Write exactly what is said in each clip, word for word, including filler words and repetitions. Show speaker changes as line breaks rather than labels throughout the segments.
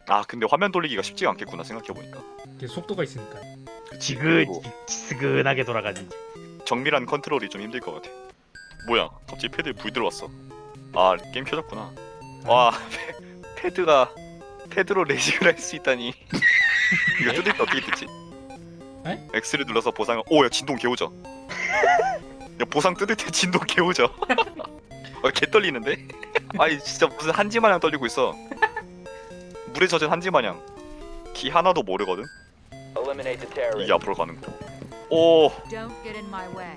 아 근데 화면 돌리기가 쉽지가 않겠구나 생각해보니까.
이게 속도가 있으니까.
지그 지근하게 돌아가지.
정밀한 컨트롤이 좀 힘들 것 같아. 뭐야 갑자기 패드에 불 들어왔어. 아 게임 켜졌구나. 와 패, 패드가 패드로 레이싱을 할 수 있다니. 이거 뜯을 때 어떻게 뜯지?
에?
X를 눌러서 보상을. 오야 진동 개오져. 야 보상 뜯을 때 진동 개오져. 아, 개 떨리는데? 아니 진짜 무슨 한지 마냥 떨리고 있어. 물에 젖은 한지 마냥. 키 하나도 모르거든.
Eliminate the terrorist.
이게 앞으로 가는 거. 오, 어
Don't get in my way.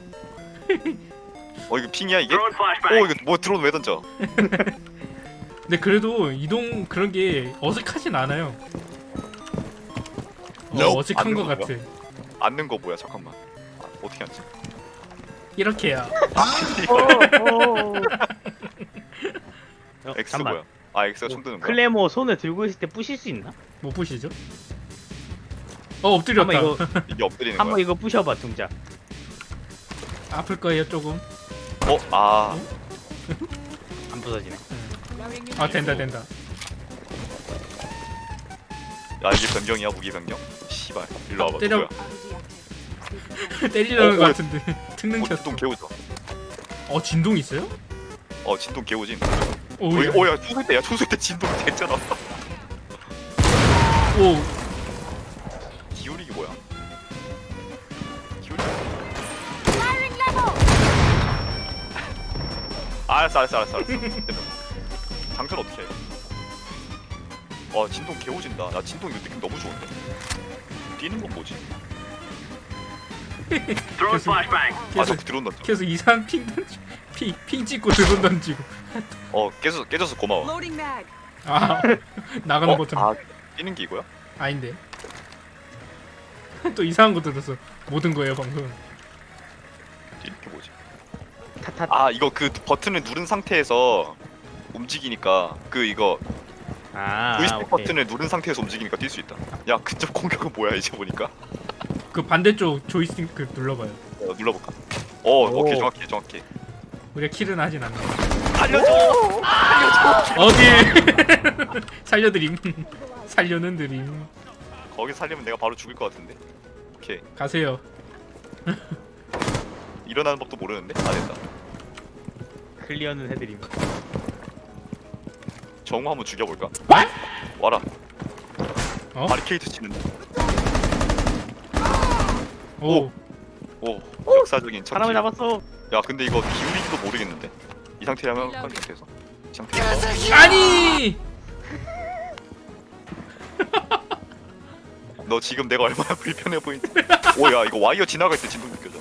이거 핑이야 이게? 오 이거 뭐 드론 왜 던져?
근데 그래도 이동 그런 게 어색하진 않아요. 어,
Nope.
어색한
안
것
누른
같아.
앉는 거 뭐야 잠깐만. 아, 어떻게 앉지?
이렇게야.
어,
X
잠깐만.
뭐야? 아 X가 손 드는 거야?
클레모 손에 들고 있을 때 부실 수 있나?
못 보시죠? 어 엎드렸다.
한번 이거
이게 엎드리는
한번
거야?
이거 부셔봐 동작.
아플 거예요 조금.
어? 아
안 부서지네.
아 된다 된다.
야 이게 변경이야 무기 변경? 씨발 일로 와봐.
때려.
누구야?
때리려는
어,
것
어,
같은데. 특능
어
켰어.
진동 개오져.
어 진동 있어요?
어 진동 개오짐.
오.
어, 이- 오야 초술 때야 초술 때 진동 됐잖아.
오.
기울이기 뭐야? 기울이기. 알았어 알았어 알았어 알았어. 됐다. 장전 어떻게 해? 와 진동 개오진다. 나 진동 이거 느낌 너무 좋은데. 뛰는 건 뭐지?
계속
아
계속
저 드론 던져.
계속 이상한 핑 던지. 핑, 핑 찍고 드론 던지고.
어 깨져서 깨져서 고마워.
Loading mag.
아 나가는
어?
버튼.
아 뛰는 게 이거야?
아닌데. 또 이상한 거 들었어. 모든 거예요 방금.
뛰는 게 뭐지?
타타.
아 이거 그 버튼을 누른 상태에서 움직이니까 그 이거
아,
조이스틱
오케이.
버튼을 누른 상태에서 움직이니까 뛸 수 있다. 야 근접 공격은 뭐야 이제 보니까.
그 반대쪽 조이스틱 그 눌러봐요.
어, 눌러볼까? 어
오.
오케이 정확해 정확해.
우리가 킬은 하진 않나.
알려줘.
어디? 살려드림. 살려는 드림.
거기 살리면 내가 바로 죽을 것 같은데. 오케이
가세요.
일어나는 법도 모르는데 안 됐다.
클리어는 해드림.
정우 한번 죽여볼까?
와?
와라.
어?
바리케이트 치는데.
오.
오 역사적인 첫
사람을
킬.
잡았어.
야 근데 이거 기울이기도 모르겠는데. 이 상태라면 한 상태에서. 이 상태에서.
아니!
너 지금 내가 얼마나 불편해 보이지? 오야 이거 와이어 지나갈 때 진동 느껴져.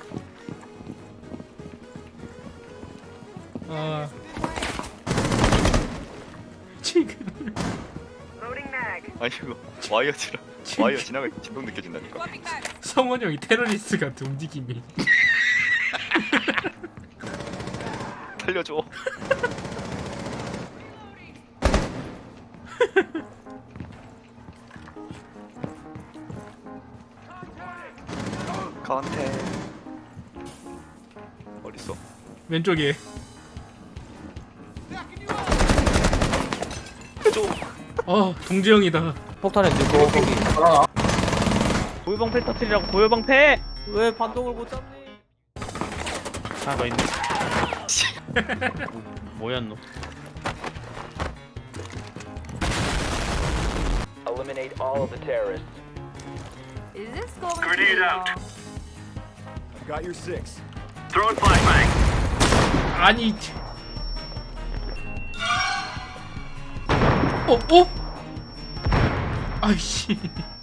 아. 지금
아니 이거 와이어 지나 와이어 지나갈 때 진동 느껴진다니까.
성원 형이 테러리스트 같은 움직임이.
살려줘. 컨테 어딨어?
왼쪽에.
해줘.
어, 동지형이다.
폭탄에 넣고 거기
고요방패 터트리라고. 고요방패.
왜 반동을 못 잡니?
하나 더 있네. 뭐였노?
Eliminate all of the terrorists.
Is this going Grenade out.
Got your six.
아니. 어, 어? 아이씨.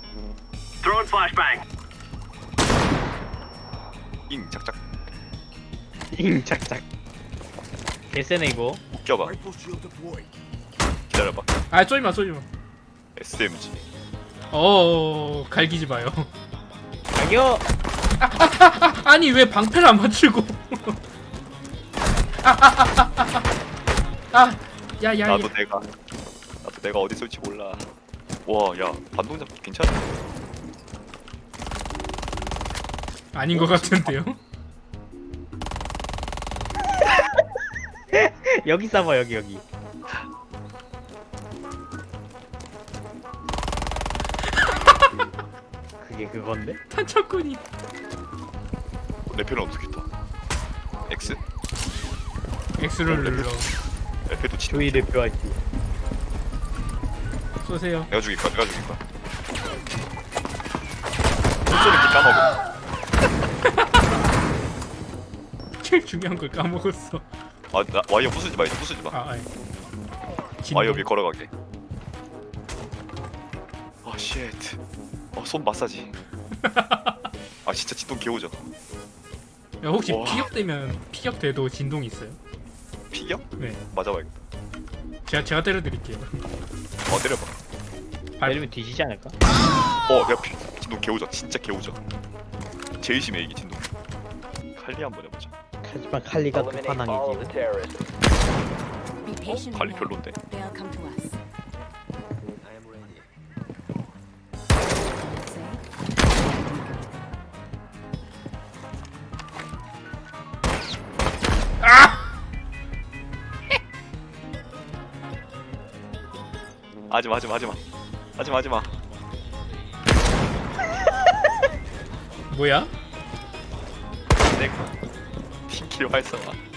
잉 작작
잉 착착. 개쎄네 이거.
웃겨봐.
Rifle shield deployed.
기다려봐.
아, 쏘지 마, 쏘지 마.
에스엠지.
어, 갈기지 마요.
자기요.
아니, 왜 방패를 안 맞추고. 아, 아, 아, 아, 아, 아. 아, 야, 야, 야.
나도 내가 나도 내가 어디 쏠지 몰라. 와, 야 반동작 괜찮아.
아닌 것 같은데요?
여기 싸봐 여기 여기. 이게 그건데?
탄창꾼이.
내 편은 어떻겠다. X?
X를 눌러.
F도 진동.
조이 대표할지.
쏘세요.
내가 죽일까? 내가 죽일까? 손소리 까먹어.
제일 중요한 걸 까먹었어.
아, 나 와이어 부수지 마, 이제 부수지 마.
아, 아이.
와이어 위에 걸어가게. 아, 쉣. 어, 손 마사지. 아, 진짜 진동 개오죠.
야, 혹시
와.
피격되면 피격돼도 진동이 있어요?
피겨?
네.
맞아봐야겠다.
제가 제가 때려드릴게요.
어, 때려봐.
발-
내리면 뒤지지 않을까?
어, 내가 피, 진동 개오죠. 진짜 개오죠. 제일 심해 이게 진동. 칼리 한번 해보자.
하지만 칼리가
Eliminate all of
끝판왕이지.
the terrorists.
Be patient.
칼리
here.
별론데.
They'll come to us.
하지마, 하지마, 하지마. 하지마, 하지마.
뭐야?
내가 팀킬 활성화.